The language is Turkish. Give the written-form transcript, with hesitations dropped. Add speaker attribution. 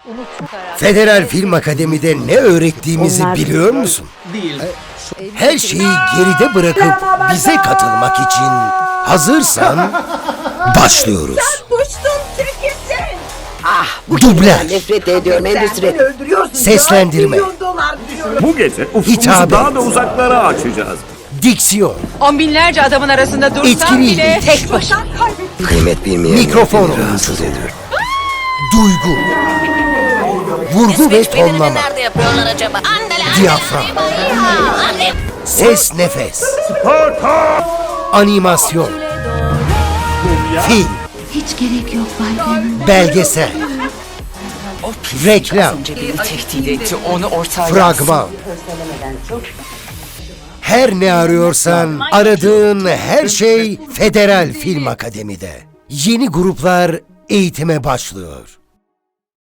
Speaker 1: Federal Film Akademi'de ne öğrettiğimizi biliyor musun?
Speaker 2: Değil.
Speaker 1: Her şeyi geride bırakıp bize katılmak için hazırsan başlıyoruz.
Speaker 3: Kuştun tekisin.
Speaker 1: Dublaj,
Speaker 4: Nefret ediyorum endüstri.
Speaker 1: seslendirme,
Speaker 5: Bu gece ufkumuzu
Speaker 1: Hitabet.
Speaker 5: daha da uzaklara açacağız.
Speaker 1: diksiyon,
Speaker 6: On binlerce adamın arasında dursam
Speaker 1: Etkili.
Speaker 6: bile tek başına.
Speaker 4: Kıymet bilmeyen
Speaker 1: Mikrofon.
Speaker 4: beni rahatsız ediyor.
Speaker 1: duygu, vurgu ve tonlama,
Speaker 3: Nerede yapıyorlar acaba?
Speaker 1: diyafram, ses nefes, animasyon, film,
Speaker 7: Hiç gerek yok Bay Glenn.
Speaker 1: belgesel, reklam,
Speaker 6: Beni tehdit etti, onu ortaya
Speaker 1: fragman. Her ne arıyorsan aradığın her şey Federal Film Akademi'de. Yeni gruplar eğitime başlıyor.